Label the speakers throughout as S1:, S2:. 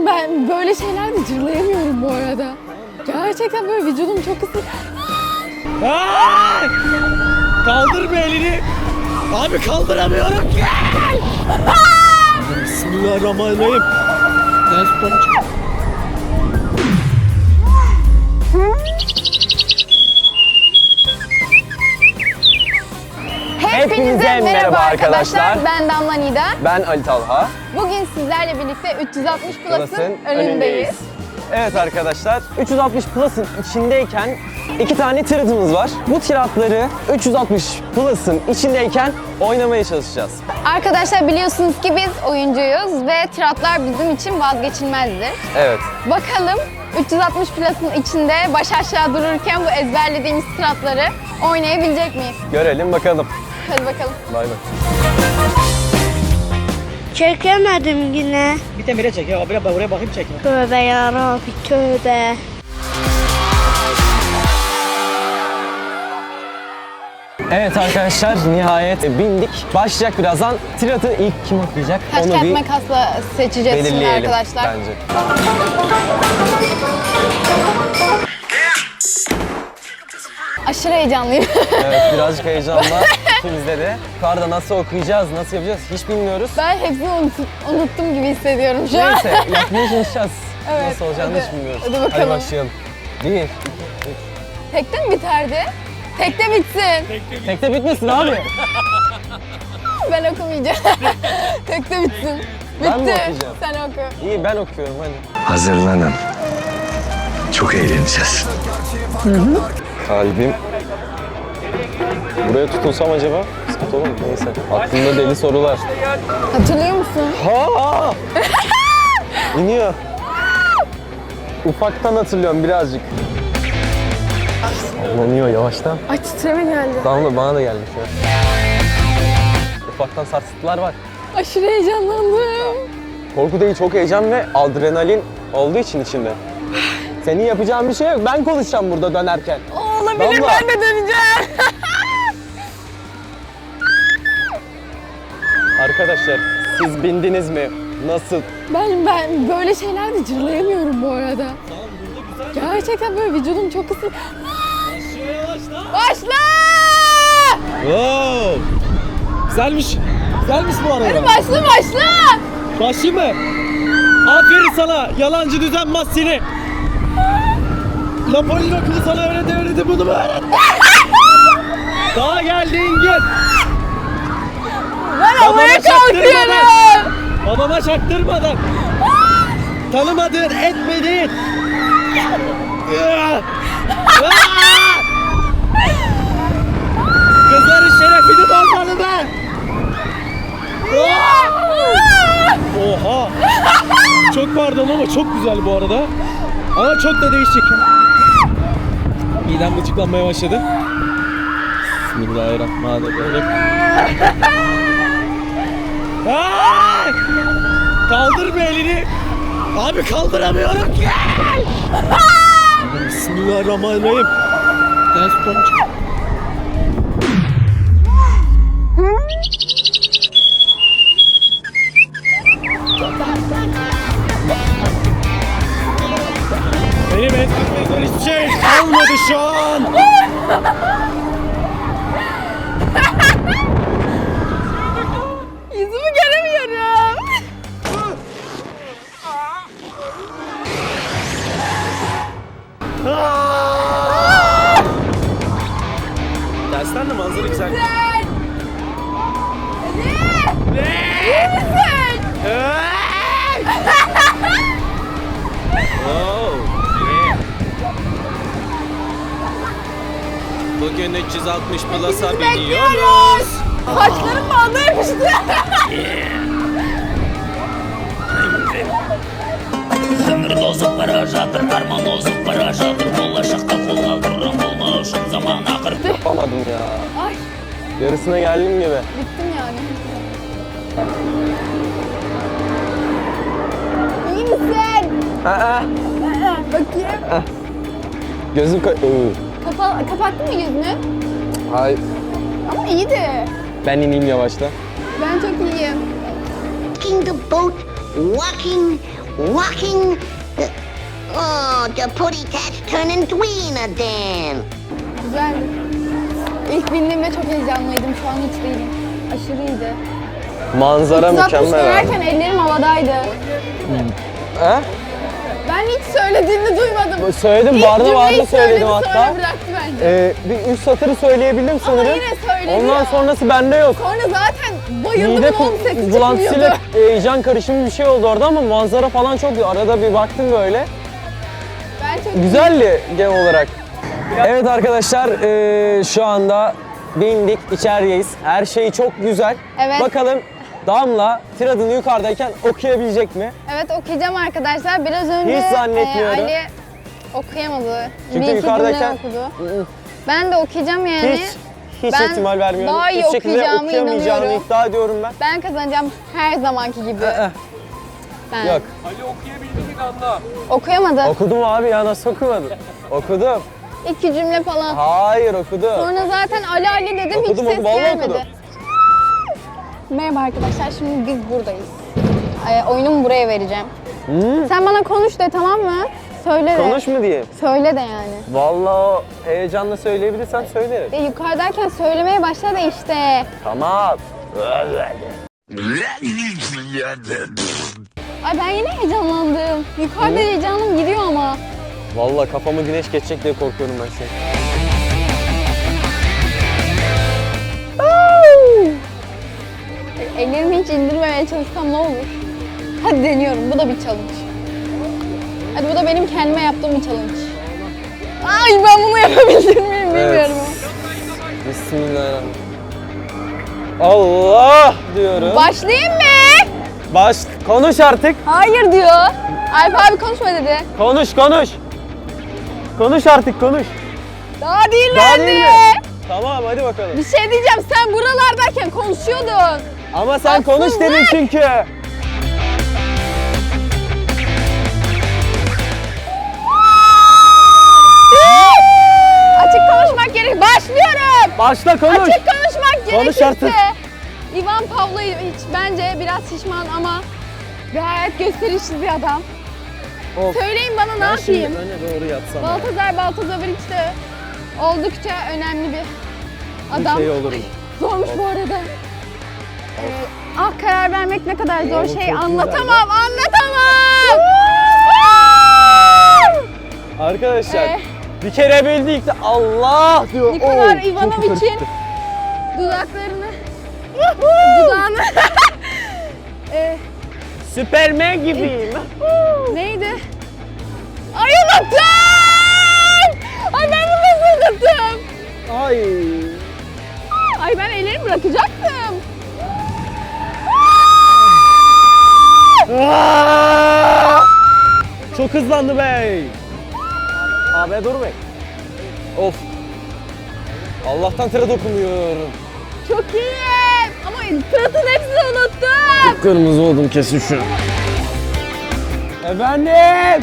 S1: Ben böyle şeylerde cırlayamıyorum bu arada. Gerçekten böyle vücudum çok ısın.
S2: Kaldır bir elini. Abi kaldıramıyorum ki. Bismillahirrahmanirrahim. Ders tutacağım.
S1: Hepinize merhaba arkadaşlar. Ben Damla Nida.
S3: Ben Ali Talha.
S1: Bugün sizlerle birlikte 360 Plus'ın önündeyiz.
S3: Evet arkadaşlar, 360 Plus'ın içindeyken iki tane tiratımız var. Bu tiratları 360 Plus'ın içindeyken oynamaya çalışacağız.
S1: Arkadaşlar biliyorsunuz ki biz oyuncuyuz ve tiratlar bizim için vazgeçilmezdir.
S3: Evet.
S1: Bakalım 360 Plus'ın içinde baş aşağı dururken bu ezberlediğimiz tiratları oynayabilecek miyiz?
S3: Görelim bakalım.
S1: Hadi bakalım.
S3: Bay bay.
S4: Çekemedim yine.
S2: Bir temire çek ya. Oraya bakayım çekme.
S4: Tövbe yarabbi tövbe.
S3: Evet arkadaşlar, nihayet bindik. Başlayacak birazdan. Tiratı ilk kim okuyacak?
S1: Taş
S3: Onu
S1: kağıt
S3: bir
S1: makasla seçeceğiz şimdi
S3: belirleyelim
S1: arkadaşlar.
S3: bence.
S1: Aşırı heyecanlıyım.
S3: Evet, birazcık heyecanla ikimizde de. Karda nasıl okuyacağız, nasıl yapacağız hiç bilmiyoruz.
S1: Ben hepsini unuttum gibi hissediyorum şu an.
S3: Neyse, yapmaya çalışacağız.
S1: Evet,
S3: Nasıl olacağını
S1: hadi.
S3: hiç bilmiyoruz.
S1: Hadi bakalım.
S3: Hadi başlayalım. 1, 2, 3.
S1: Tekte mi biterdi? Tekte bitsin.
S3: Tekte bitmesin abi.
S1: Ben okumayacağım. Tekte bitsin. Bitti.
S3: Ben mi okuyacağım?
S1: Sen oku.
S3: İyi, ben okuyorum hadi.
S5: Hazırlanın. Çok eğleneceğiz.
S3: Kalbim. Buraya tutulsam acaba? Sıkıntı olur mu? Neyse. Aklımda deli sorular.
S1: Hatırlıyor musun?
S3: Ha! İniyor. Ufaktan hatırlıyorum birazcık. Sallanıyor yavaştan.
S1: Ay titreme geldi.
S3: Damla bana da geldi şu an. Ufaktan sarsıntılar var.
S1: Aşırı heyecanlandım.
S3: Korku değil, çok heyecan ve adrenalin olduğu için içinde. Senin yapacağın bir şey yok. Ben konuşacağım burada dönerken.
S1: Olabilir,
S3: Damla.
S1: ben de döneceğim.
S3: Arkadaşlar, siz bindiniz mi? Nasıl?
S1: Ben böyle şeylerde cırlayamıyorum bu arada. Gerçekten böyle vücudum çok ısın. Başla!
S2: Wow. Güzelmiş. Güzelmiş bu arada.
S1: Başla başla!
S2: Başlayayım mı? Aferin sana. Yalancı düzenmez seni. Napolyon okulu sana öğretti bunu mu öğretti? Daha geldiğin gün.
S1: Ben havaya kalkıyorum.
S2: Babama çaktırmadan. Tanımadığın, etmediğin. Kızların şerefini bozmalı ben. Oha. Çok pardon ama çok güzel bu arada. Ama çok da değişik. Midem gıcıklanmaya başladı. Bismillahirrahmanirrahim. Ay! Kaldır bir elini. Abi kaldıramıyorum ki. Bismillahirrahmanirrahim. Ders tutacağım. Benim etmekten hiçbir şey kalmadı şu an.
S1: Yüzümü göremiyorum.
S2: Dersten de manzara güzel.
S1: İyi misin?
S2: Bugün 360 Plus'a biniyoruz.
S1: Saçlarım bağda yapıştı.
S6: Ömür paraşadır, karman ozuk paraşadır. Bollaşıkta kullandırırım bulmuşum zaman akır.
S3: Yapamadım ya.
S1: Ay
S3: Yarısına geldim gibi.
S1: bittim yani. İyi misin?
S3: Aa,
S1: Bakayım.
S3: gözüm
S1: Kapattın mı yüzünü?
S3: Hayır.
S1: Ama iyiydi.
S3: Ben ineyim yavaştan.
S1: Ben çok iyiyim.
S7: Rocking the boat, walking walking. Oh, the putty cat's turning green again.
S1: Güzeldi. İlk bindiğimde çok heyecanlıydım. Şu an hiç değilim. Aşırıydı.
S3: Manzara
S1: 360
S3: mükemmel.
S1: dönerken ellerim havadaydı.
S3: He?
S1: Ben hiç söylediğini duymadım.
S3: Söyledim,
S1: İlk
S3: vardı
S1: cümleyi
S3: söyledim
S1: söyledi,
S3: hatta.
S1: Sonra bıraktı bence.
S3: Bir üst satırı söyleyebildim sanırım.
S1: yine söyledi
S3: Ondan
S1: ya.
S3: sonrası bende yok.
S1: Sonra zaten bayıldım.
S3: Mide
S1: 18
S3: bulantısıyla
S1: çıkmıyordu.
S3: heyecan karışımı bir şey oldu orada ama manzara falan çok iyi. Arada bir baktım böyle.
S1: Ben çok
S3: Güzeldi genel olarak. Evet arkadaşlar, şu anda bindik, içerideyiz. Her şey çok güzel.
S1: Evet.
S3: Bakalım Damla tır adını yukarıdayken okuyabilecek mi?
S1: Evet, okuyacağım arkadaşlar. Biraz önce
S3: Hiç zannetmiyorum.
S1: Ali okuyamadı.
S3: Çünkü
S1: bir iki
S3: yukarıdayken-
S1: cümle okudu. Ben de okuyacağım yani.
S3: Hiç
S1: Ben
S3: ihtimal vermiyorum.
S1: daha iyi
S3: Hiç şekilde
S1: okuyacağımı
S3: okuyamayacağını
S1: inanıyorum.
S3: iddia ediyorum ben.
S1: Ben kazanacağım her zamanki gibi. Ben.
S3: Yok.
S1: Okuyamadı.
S3: Okudum abi ya, nasıl okumadın? Okudum.
S1: 2 cümle falan.
S3: Hayır, okudum.
S1: Sonra zaten Ali dedim, hiç
S3: Okudum,
S1: ses
S3: vallahi
S1: gelmedi.
S3: okudum.
S1: Merhaba arkadaşlar, şimdi biz buradayız. Oyunumu buraya vereceğim. Sen bana konuş de, tamam mı? Söyle de.
S3: Konuş mu diyeyim?
S1: Söyle de yani.
S3: Vallahi o heyecanla söyleyebilirsen söylerim.
S1: De yukarıdayken söylemeye başla da işte.
S3: Tamam.
S1: Ay ben yine heyecanlandım. Yukarıda heyecanım gidiyor ama.
S3: Vallahi kafamı güneş geçecek diye korkuyorum ben şu an.
S1: Ellerimi hiç indirmemeye çalışsam ne olur? Hadi deniyorum. Bu da bir challenge. Hadi bu da benim kendime yaptığım bir challenge. Ay ben bunu yapabildim miyim bilmiyorum.
S3: Bismillahirrahmanirrahim. Allah diyorum.
S1: Başlayayım mı?
S3: Konuş artık.
S1: Hayır diyor. Alp abi konuşma dedi.
S3: Konuş. Konuş artık, konuş.
S1: Daha değil
S3: Daha
S1: dedi.
S3: değil mi? Tamam, hadi bakalım.
S1: Bir şey diyeceğim, sen buralardayken konuşuyordun.
S3: Ama sen konuş
S1: Haksızlık.
S3: dedin çünkü.
S1: Açık konuşmak gerek. Başlıyorum.
S3: Başla, konuş.
S1: Açık konuşmak
S3: Konuş
S1: gerekirse.
S3: artık.
S1: Ivan Pavlovic bence biraz şişman ama gayet gösterişli bir adam.
S3: Of.
S1: Söyleyin bana ne yapayım?
S3: öne doğru yatsam.
S1: Baltazovic de oldukça önemli bir adam.
S3: şey olur mu?
S1: Zormuş bu arada. Karar vermek ne kadar zor
S3: Oo,
S1: şey,
S3: çok
S1: anlatamam.
S3: Arkadaşlar, bir kere bildik de Allah diyor.
S1: Nikola
S3: Oo, çok
S1: Ivanovic'in
S3: karıştı.
S1: dudağını
S3: Süpermen gibiyim.
S1: neydi? Ay unuttum! Ay ben bunu nasıl unuttum?
S3: Ay.
S1: Ay ben ellerimi bırakacaktım.
S3: Çok hızlandı bey. Abi dur bey. Of. Allah'tan tıra dokunmuyorum.
S1: Çok iyi. Ama tırtın hepsini unuttum.
S3: Kırmızı oldum kesin şu. Efendim.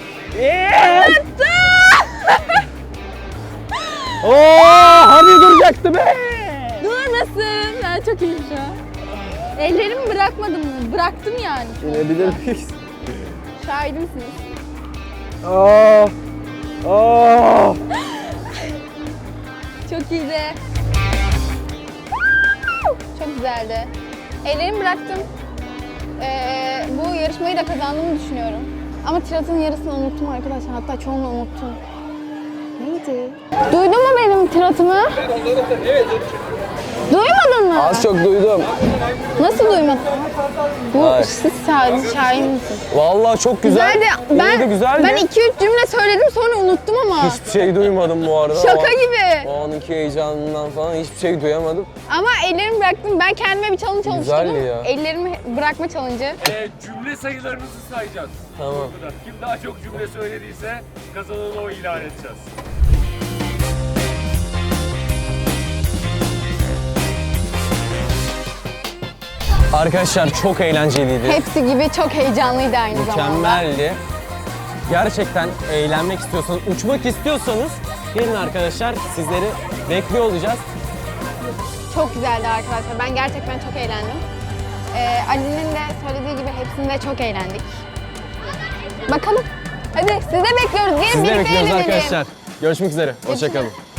S3: Oo, hani duracaktı be.
S1: Durmasın. Ben çok iyiyim şu an. Ellerimi bırakmadım mı? Bıraktım yani.
S3: İnebilir miyiz?
S1: Şahidimsiniz.
S3: Aa. Aa.
S1: Çok iyiydi. Çok güzeldi. Ellerimi bıraktım. Bu yarışmayı da kazandığımı düşünüyorum. Ama tiratın yarısını unuttum arkadaşlar. Hatta çoğunu unuttum. Neydi? Duydun mu benim tiratımı? Duymadın mı?
S3: Az çok duydum.
S1: Nasıl duymadın? Bu
S3: Hayır.
S1: siz şahin misiniz?
S3: Vallahi çok güzel.
S1: Güzeldi.
S3: İyiydi, güzeldi.
S1: Ben 2-3 cümle söyledim sonra unuttum ama.
S3: Hiçbir şey duymadım bu arada.
S1: Şaka
S3: O-
S1: gibi.
S3: O anki heyecanından falan hiçbir şey duyamadım.
S1: Ama ellerimi bıraktım. Ben kendime bir challenge
S3: Güzeldi
S1: oluşturdum.
S3: ya.
S1: Ellerimi bırakma challenge'ı.
S8: Cümle sayılarınızı sayacağız.
S3: Tamam.
S8: Kim daha çok cümle söylediyse kazananı o ilan edeceğiz.
S3: Arkadaşlar çok eğlenceliydi.
S1: Hepsi gibi çok heyecanlıydı aynı zamanda.
S3: Mükemmeldi. Gerçekten eğlenmek istiyorsanız, uçmak istiyorsanız gelin arkadaşlar, sizleri bekliyor olacağız.
S1: Çok güzeldi arkadaşlar. Ben gerçekten çok eğlendim. Ali'nin de söylediği gibi hepsinde çok eğlendik. Bakalım. Hadi sizi de bekliyoruz. Gelin
S3: Sizi de
S1: birlikte
S3: bekliyoruz
S1: eğlenelim.
S3: arkadaşlar. Görüşmek üzere. Hoşçakalın.